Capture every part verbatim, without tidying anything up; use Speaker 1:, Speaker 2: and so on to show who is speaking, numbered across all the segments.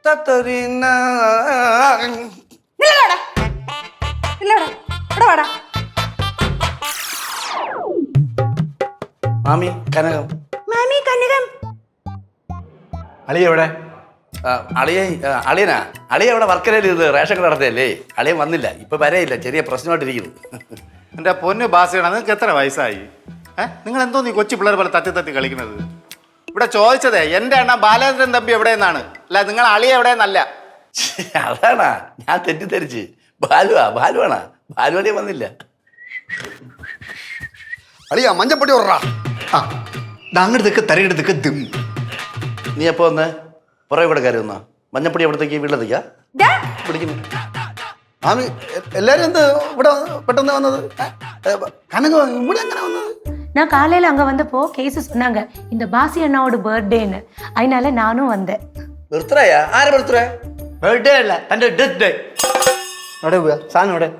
Speaker 1: മാമി കനകം.
Speaker 2: മാമി കനകം.
Speaker 1: അളിയ എവിടെ? അളിയ അളിയനാ അളിയ ഇവിടെ വർക്കരയിൽ ഇത് റേഷൻ കട നടത്തിയല്ലേ. അളിയൻ വന്നില്ല, ഇപ്പൊ വരെയില്ല, ചെറിയ പ്രശ്നമായിട്ടിരിക്കുന്നു.
Speaker 3: എൻ്റെ പൊന്ന് ബാസിയാണ്, നിങ്ങൾക്ക് എത്ര വയസ്സായി? ഏഹ് നിങ്ങൾ എന്തോ നീ കൊച്ചു പിള്ളേർ പോലെ തട്ടി തട്ടി കളിക്കുന്നത്? ഇവിടെ ചോദിച്ചതേ എൻ്റെ അണ്ണ ബാലേന്ദ്രൻ തമ്പി എവിടെയെന്നാണ്, അല്ല നിങ്ങൾ അളിയ എവിടെയെന്നല്ല.
Speaker 1: അതാണാ ഞാൻ തെറ്റിദ്ധരിച്ച്. ബാലുവാ ബാലുവാണാ ബാലുവളിയ വന്നില്ല.
Speaker 4: അളിയ മഞ്ഞപ്പൊടി ഓർറാ. ആ അങ്ങോട്ടേക്ക് തരയിടത്തേക്ക് ദിം.
Speaker 1: നീ എപ്പോ വന്ന് പുറകെ കൂടെ കയറി വന്നാ? മഞ്ഞപ്പൊടി എവിടത്തേക്ക് വീട്ടിലെത്തിക്കാ പിടിക്കുന്നു.
Speaker 4: ആമി എല്ലാരും എന്ത് ഇവിടെ പെട്ടെന്ന് വന്നത്? കനകം ഇവിടെ എങ്ങനെ വന്നത്?
Speaker 2: நான் காலையில் அங்கே வந்தப்போ கேஸு சொன்னாங்க இந்த பாசி அண்ணாவோட பர்த்டேன்னு, அதனால நானும் வந்தேன்.
Speaker 1: ബർത്ത്ഡേയാ? ആരെ ബർത്ത്ഡേ?
Speaker 5: ബർത്ത്ഡേ അല്ല, എൻ്റെ ഡെത്ത് ഡേ.
Speaker 4: എവിടെ പോയാ സാധനം? ഇവിടെ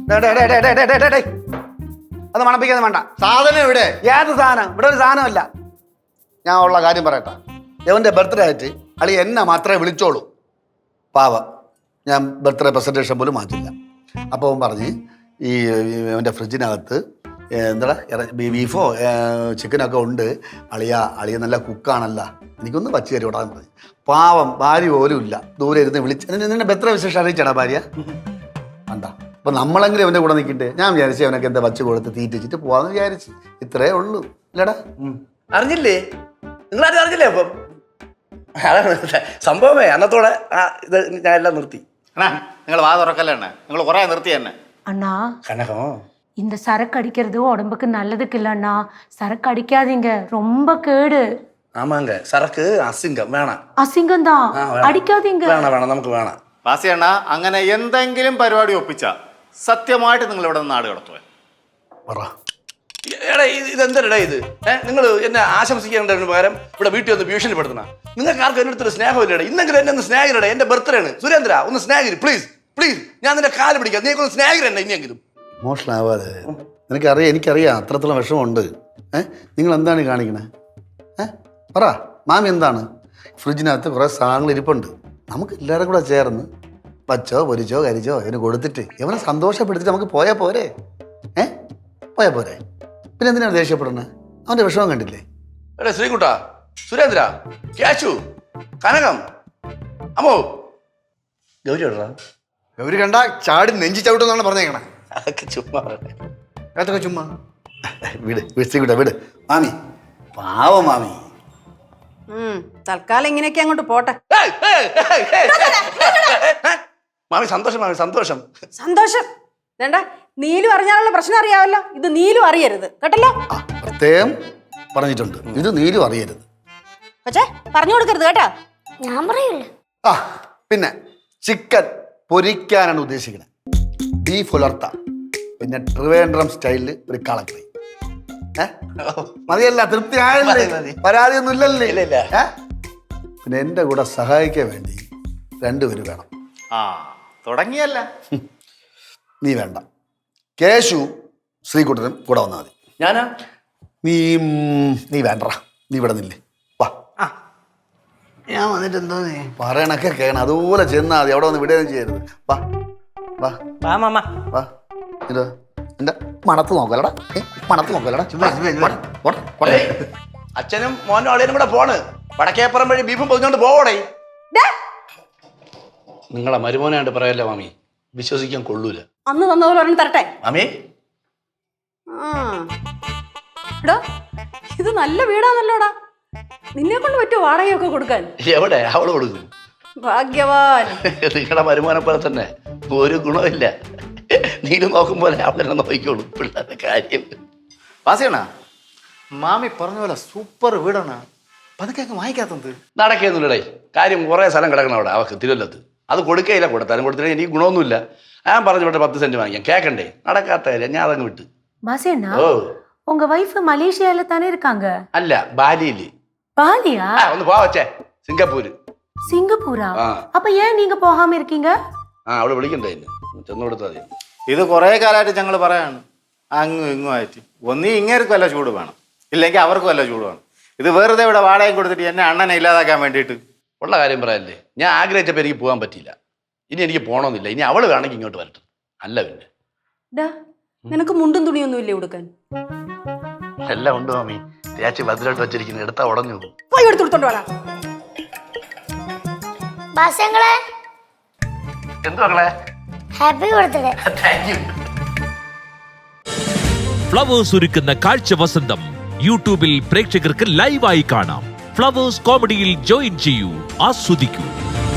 Speaker 4: അത് മണപ്പിക്കാതെ വേണ്ട.
Speaker 5: സാധനം എവിടെ?
Speaker 4: ഏത് സാധനം? ഇവിടെ ഒരു സാധനമല്ല. ഞാൻ ഉള്ള കാര്യം പറയട്ടെ. ഇവൻ്റെ ബർത്ത്ഡേ ആയിട്ട് അളി എന്നെ മാത്രമേ വിളിച്ചോളൂ. പാവം, ഞാൻ ബർത്ത്ഡേ പ്രസൻറ്റേഷൻ പോലും മാറ്റില്ല. അപ്പോൾ അവൻ പറഞ്ഞ് ഈ അവൻ്റെ ഫ്രിഡ്ജിനകത്ത് എന്താ ബീഫോ ചിക്കനൊക്കെ ഉണ്ട്, അളിയ അളിയ നല്ല കുക്കാണല്ല, എനിക്കൊന്ന് വച്ച് കയറി വിടാൻ പറഞ്ഞു. പാവം, ഭാര്യ പോലും ഇല്ല, ദൂരെ ഇരുന്ന് വിളിച്ച് നിന്നെ ബർത്ത്ഡേ വിശേഷം അറിയിച്ചാടാ ഭാര്യ? വേണ്ട. അപ്പം നമ്മളെങ്കിലും അവൻ്റെ കൂടെ നിൽക്കട്ടെ. ഞാൻ വിചാരിച്ചു അവനൊക്കെ എന്താ വച്ച് കൊടുത്ത് തീറ്റിച്ചിട്ട് പോവാന്ന് വിചാരിച്ചു. ഇത്രേ ഉള്ളൂ. ഇല്ലടാ
Speaker 1: അറിഞ്ഞില്ലേ? നിങ്ങളാരും അറിഞ്ഞില്ലേ? അപ്പം അതാണ് സംഭവമേ. അന്നത്തോടെ ആ ഇത് ഞാൻ എല്ലാം നിർത്തി.
Speaker 3: അണ്ണാ നിങ്ങൾ വാ തുറക്കല്ലേ അണ്ണ, നിങ്ങൾ കുറേ നിർത്തി തന്നെ.
Speaker 2: அண்ணா
Speaker 1: കനകം
Speaker 2: இந்த சரக்கு அடிக்கிறது உடம்புக்கு நல்லதுக்கு இல்ல அண்ணா, சரக்கு அடிக்காதீங்க, ரொம்ப கேடு.
Speaker 1: ആമാങ്ക സരക്ക് അസിംഗം വേണം.
Speaker 2: அசிங்கம் தான், அடிக்காதீங்க.
Speaker 1: വേണം വേണം നമുക്ക് വേണം.
Speaker 3: ബാസി അണ്ണ അങ്ങനെ എന്തെങ്കിലും പരിപാടി ഒപ്പിച്ച സത്യമായിട്ട് നിങ്ങൾ ഇവിടെ നിന്ന് നാട് കടത്തുവേ.
Speaker 4: പറ.
Speaker 1: എടാ ഇതെന്തരടാ ഇത്? ഏഹ് നിങ്ങൾ എന്നെ ആശംസിക്കേണ്ടതിന് പകരം ഇവിടെ വീട്ടിൽ ഒന്ന് ഭീഷണിപ്പെടുത്തണ. നിങ്ങൾക്ക് ആർക്കും എൻ്റെ അടുത്തൊരു സ്നേഹമില്ലടേ. ഇന്നെങ്കിലും എന്നെ ഒന്ന് സ്നേഹിരടേ. എൻ്റെ ബർത്ത്ഡേ ആണ്. സുരേന്ദ്ര ഒന്ന് സ്നേഹിര് പ്ലീസ് പ്ലീസ്. ഞാൻ നിന്റെ കാല് പിടിക്കാം. നീ ഒന്ന് സ്നേഹിരണ്ട ഇനിയെങ്കിലും.
Speaker 4: ഇമോഷണൽ ആവാതെ. നിനക്കറിയാം, എനിക്കറിയാം അത്രത്തോളം വിഷമമുണ്ട്. ഏഹ് നിങ്ങൾ എന്താണ് കാണിക്കണേ? ഏഹ് പറ മാമി, എന്താണ്? ഫ്രിഡ്ജിനകത്ത് കുറേ സാധനങ്ങൾ ഇരിപ്പുണ്ട്. നമുക്ക് എല്ലാവരും കൂടെ ചേർന്ന് വച്ചോ പൊരിച്ചോ കരിച്ചോ അതിന് കൊടുത്തിട്ട് ഇവനെ സന്തോഷപ്പെടുത്തിട്ട് നമുക്ക് പോയാൽ പോരെ? ഏഹ് പോയാൽ പോരെ? പിന്നെ എന്തിനാണ് ദേഷ്യപ്പെടുന്നത്? അവൻ്റെ വിഷമം കണ്ടില്ലേ?
Speaker 1: എടാ ശ്രീകുട്ട, സുരേന്ദ്ര, ക്യാഷു, കനകം, അമ്മോ, ഗൗരി എവിടെടാ?
Speaker 5: ഗൗരി കണ്ട ചാടി നെഞ്ചി ചവിട്ടെന്നാണ് പറഞ്ഞേക്കണേ.
Speaker 1: അതൊക്കെ ചുമ്മാ
Speaker 5: അതൊക്കെ ചുമ്മാ.
Speaker 4: വിട് വിട് ശ്രീകുട്ട വിട്. മാമി പാവം മാമി.
Speaker 6: തൽക്കാലം ഇങ്ങനെയൊക്കെ അങ്ങോട്ട് പോട്ടെ.
Speaker 1: മാമി സന്തോഷം, മാമി സന്തോഷം.
Speaker 6: സന്തോഷം വേണ്ട. നീലു അറിഞ്ഞാലുള്ള പ്രശ്നം അറിയാമല്ലോ, ഇത് നീലു അറിയരുത് കേട്ടല്ലോ.
Speaker 4: ആ പ്രത്യേകം പറഞ്ഞിട്ടുണ്ട്, ഇത് നീലും അറിയരുത്.
Speaker 6: പക്ഷേ പറഞ്ഞു കൊടുക്കരുത് കേട്ടാ.
Speaker 2: ഞാൻ പറയൂല.
Speaker 4: ആ പിന്നെ ചിക്കൻ പൊരിക്കാനാണ് ഉദ്ദേശിക്കുന്നത്. ബീഫ് ഉലർത്ത, പിന്നെ ട്രിവേൻഡ്രം സ്റ്റൈലിൽ ഒരു കളക്കറി. ഏഹ് മതിയല്ല? തൃപ്തി ആയല്ലേ? പരാതിയൊന്നും ഇല്ലല്ലേ? ഏഹ് പിന്നെ എൻ്റെ കൂടെ സഹായിക്കാൻ വേണ്ടി രണ്ടുപേര് വേണം.
Speaker 3: ആ തുടങ്ങിയല്ല.
Speaker 4: നീ വേണ്ട, കേശു ശ്രീകുട്ടനും കൂടെ വന്നാൽ മതി.
Speaker 1: ഞാനാ?
Speaker 4: നീ നീ വേണ്ട, നീ ഇവിടെ നില്ലേ. വാ,
Speaker 5: ഞാൻ വന്നിട്ട് എന്തോ
Speaker 4: പറയണൊക്കെ കേണം, അതുപോലെ ചെന്നാൽ മതി. അവിടെ വന്ന് വിടുകയും ചെയ്യരുത്. വാ വാ വാ. ഇതോ എൻ്റെ മണത്ത് നോക്കലടാ, മണത്ത് നോക്കലടാ.
Speaker 1: അച്ഛനും മോനും അളിയനും കൂടെ പോണ്. വടക്കേപ്പുറം വഴി ബീഫും പൊതിഞ്ഞോണ്ട് പോവടേ. നിങ്ങളെ മരുമോനായിട്ട് പറയല്ലേ മാമി, വിശ്വസിക്കാൻ കൊള്ളൂല.
Speaker 6: അന്ന് തന്നപോലെ ഒരെണ്ണം തരട്ടെ
Speaker 1: മാമി.
Speaker 6: എടാ ഇത് നല്ല വീടാണല്ലോടാ, നിന്നെ കൊണ്ട് പറ്റുമോ വാടകയൊക്കെ കൊടുക്കാൻ?
Speaker 1: എവിടെ അവള് കൊടുക്കും?
Speaker 6: ഭാഗ്യവാൻ.
Speaker 1: നിങ്ങളുടെ മരുമോനെ പോലെ തന്നെ ഒരു ഗുണമില്ല. നീലും നോക്കും പോലെ അവളെന്നെ നോക്കിക്കോളൂ പിള്ളേരുടെ കാര്യം.
Speaker 3: ബാസിയണ്ണ മാമി പറഞ്ഞ പോലെ സൂപ്പർ വീടാണ്. പതുക്കെ വാങ്ങിക്കാത്തത്
Speaker 1: നടക്കുന്നില്ലടേ. കാര്യം കുറേ സ്ഥലം കിടക്കണം അവിടെ അവക്ക് തിരുവല്ലത്ത്. അത് കൊടുക്കയില്ല, കൊടുത്താലും കൊടുത്തില്ല എനിക്ക് ഗുണമൊന്നുമില്ല. ഞാൻ പറഞ്ഞു വിട്ടെ പത്ത് സെന്റ് വാങ്ങിക്കാം. കേക്കണ്ടേ? നടക്കാത്ത കാര്യം. ഞാൻ അതങ്ങ് വിട്ട്.
Speaker 2: பாசியண்ணா,
Speaker 1: ഓ
Speaker 2: உங்க வைஃப் மலேசியால தானே இருக்காங்க?
Speaker 1: അല്ല, ബാലിയില്.
Speaker 2: பாலியா?
Speaker 1: ഒന്ന് പോവാ വച്ചേ. സിംഗപ്പൂര്.
Speaker 2: സിംഗപ്പൂരാ?
Speaker 1: ആ.
Speaker 2: அப்ப ஏன் நீங்க போகாம இருக்கீங்க?
Speaker 1: ആ അവള് വിളിക്കണ്ടേ എന്നെ, ചെന്ന് കൊടുത്താൽ മതി.
Speaker 3: ഇത് കുറേ കാലമായിട്ട് ഞങ്ങൾ പറയാണ്, അങ്ങും ഇങ്ങും ആയിട്ട്. ഒന്നീ ഇങ്ങേർക്കും വല്ല ചൂട് വേണം, ഇല്ലെങ്കിൽ അവർക്കും വല്ല ചൂട് വേണം. ഇത് വെറുതെ ഇവിടെ വാടകയും കൊടുത്തിട്ട് എന്നെ അണ്ണനെ ഇല്ലാതാക്കാൻ വേണ്ടിയിട്ട്
Speaker 1: ഉള്ള കാര്യം പറയല്ലേ, ഞാൻ ആഗ്രഹിച്ചപ്പോൾ എനിക്ക് പോകാൻ പറ്റിയില്ല. ഇനി എനിക്ക് പോകണമെന്നില്ല. ഇനി അവള് വേണമെങ്കിൽ ഇങ്ങോട്ട് വരട്ടെ. അല്ല പിന്നെ
Speaker 6: ഡാ നിനക്ക് മുണ്ടും തുണിയൊന്നും ഇല്ലേ ഉടുക്കാൻ?
Speaker 1: എല്ലാം ഉണ്ട് മാമി. തേച്ച് ഭദ്രമായിട്ട് വെച്ചിരിക്കുന്നത് എടുത്താ ഉടഞ്ഞു പോകും.
Speaker 6: പോയി എടുത്തോണ്ട് വാടാ.
Speaker 7: ബാസങ്ങളെ
Speaker 1: എന്തു മക്കളെ?
Speaker 7: Happy birthday.
Speaker 1: Thank you.
Speaker 8: Flowers ഒരുക്കുന്ന കാഴ്ച വസന്തം യൂട്യൂബിൽ പ്രേക്ഷകർക്ക് ലൈവായി കാണാം. ഫ്ലവേഴ്സ് കോമഡിയിൽ ജോയിൻ ചെയ്യൂ, ആസ്വദിക്കൂ.